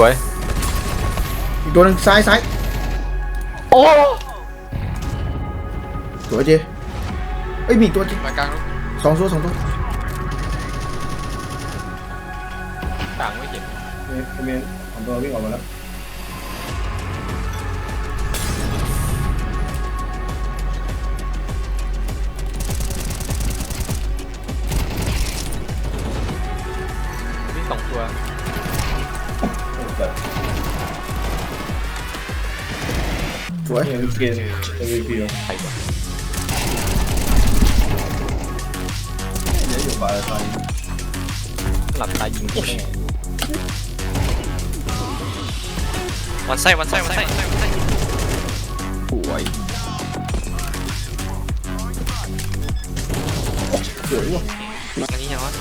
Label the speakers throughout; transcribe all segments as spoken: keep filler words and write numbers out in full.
Speaker 1: วย
Speaker 2: อีกตัวหนึ่งซ้ายซ้าย
Speaker 1: โอ้
Speaker 2: สวยเจเอ้ยมีตัวจริง
Speaker 3: มากลางลูก
Speaker 2: สองตัวสองตัว
Speaker 1: ต่างไม่เห็น
Speaker 4: เมนเมนสองตัววิ่งออกมาแล้ว
Speaker 1: มีสองตัว
Speaker 2: สวย
Speaker 4: เกมเกมเอ็มวีพีใครวะเดี๋ยวอยู่บาร์ตอนนี้
Speaker 1: หลับตายิงแน่
Speaker 3: วันไส้วันไส้วันไส้วันไส้
Speaker 1: สวย
Speaker 2: สวยว่ะ
Speaker 3: อันนี้ยังวะ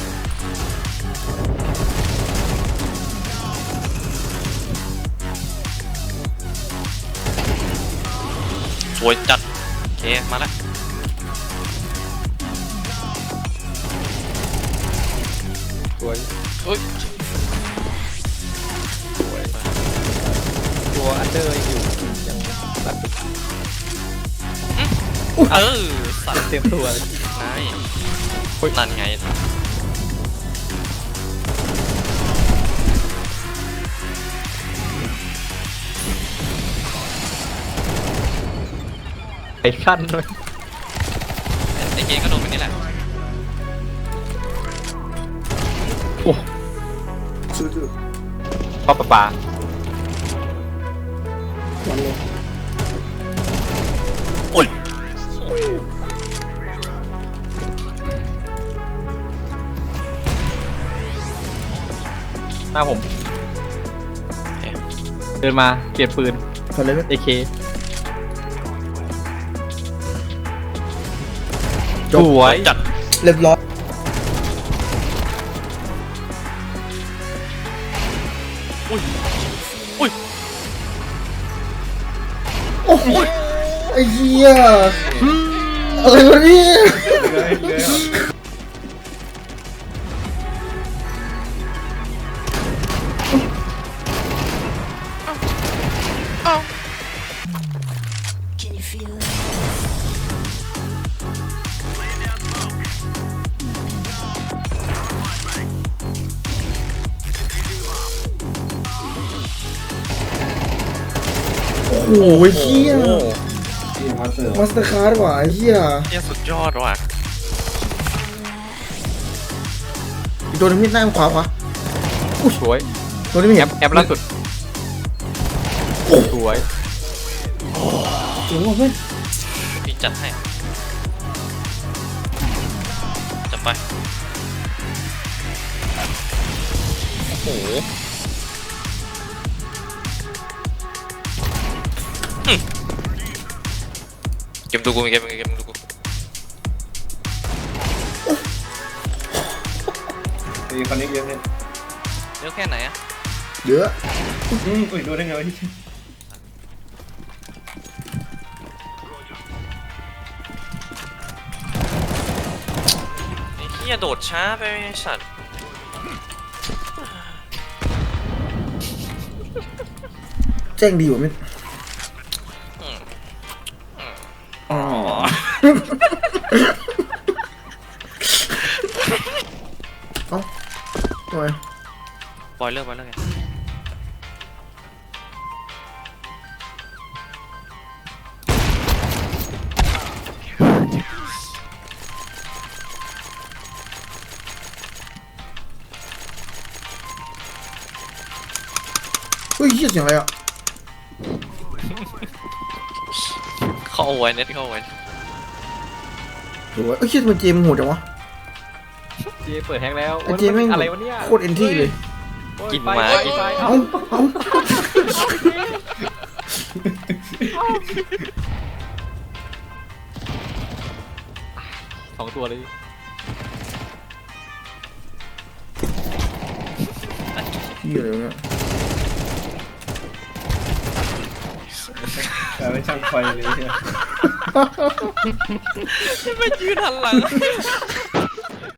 Speaker 3: สวยจัดโอเคมาแล้ว
Speaker 1: สวย
Speaker 3: เฮ้ย
Speaker 1: สวยตัวอันเดอร์อยู่ยังตัด
Speaker 3: เออสัตว์
Speaker 1: เต็มตัวเลย
Speaker 3: นายนั่นไง
Speaker 1: ไอ้ขั้นด้วย
Speaker 3: ไอ้เกมก็โดนไปนี่แหละ
Speaker 1: โอ้
Speaker 2: ซื้อซื้อ
Speaker 1: ปลาปลาปลา
Speaker 2: วันเลย
Speaker 3: โอ้ย
Speaker 1: หน้าผมเดินมาเปลี่ยนปืน
Speaker 2: ฟันเลยไหม
Speaker 1: เอเค
Speaker 2: จ
Speaker 1: ส
Speaker 2: บ
Speaker 1: วย
Speaker 3: จัด
Speaker 2: เรียบร้อย
Speaker 3: อุ้ยอุ้ย
Speaker 2: โอ้โหไอ้เหี้ยอะไรวะเนี่ย
Speaker 4: เลยเลย
Speaker 2: โอ้โหเหี้ย
Speaker 4: ที่มาสเตอร์
Speaker 2: มาสเตอร์คาร์ดว่ะไอ้เหี้ย
Speaker 3: เนี่ยสุดยอดว่ะ
Speaker 2: อีกตัวหนึงมีดหน้าขวาขวา
Speaker 1: สวย
Speaker 2: ตัวนี้ไม่
Speaker 1: แอ
Speaker 2: เห็น
Speaker 1: ปแอปล่าสุดสวย
Speaker 2: เจ๋งว่ะเพื่อน
Speaker 3: พี่จัดให้จัดไปโอ้โหอืมเกมดูกูเกมเกมดูกู
Speaker 4: มีคอนเนคเยอะเนี่ย
Speaker 3: เยอะแค่ไหนอะ
Speaker 2: เยอะ
Speaker 4: อืมอุ้ยดูได้ไงวะที่
Speaker 3: ไอ้เหี้ยโดดช้าไปไอ้สัตว์
Speaker 2: แจ้งดีกว่ามิด
Speaker 3: อืมอืม
Speaker 2: อ๋อเอ้าทำไม
Speaker 3: บอยเลิกบอยเลิกไง
Speaker 2: เฮ้ยเหี้ยเสียงอะไรอ่ะ
Speaker 3: เข้าไว้เน็ตเข้าไว้
Speaker 2: โอ้ยเอ้ยเหี้ยมันเจมโหดจังวะ
Speaker 1: เจเปิดแฮงแล้ว
Speaker 2: ไอ้เจแม่ง
Speaker 1: อะไรวะเนี่ย
Speaker 2: โคตรเอ็นที่เลย
Speaker 3: กินไม้
Speaker 1: กินไม้
Speaker 2: เอ้า
Speaker 1: เอ้า
Speaker 2: เอ้า
Speaker 1: สองตัวเลย
Speaker 2: เหี้ยอะไรวะเนี่ย
Speaker 4: แต่ไม่ช่างไฟเลยเนี่ย
Speaker 3: ไม่ยืนหันหลัง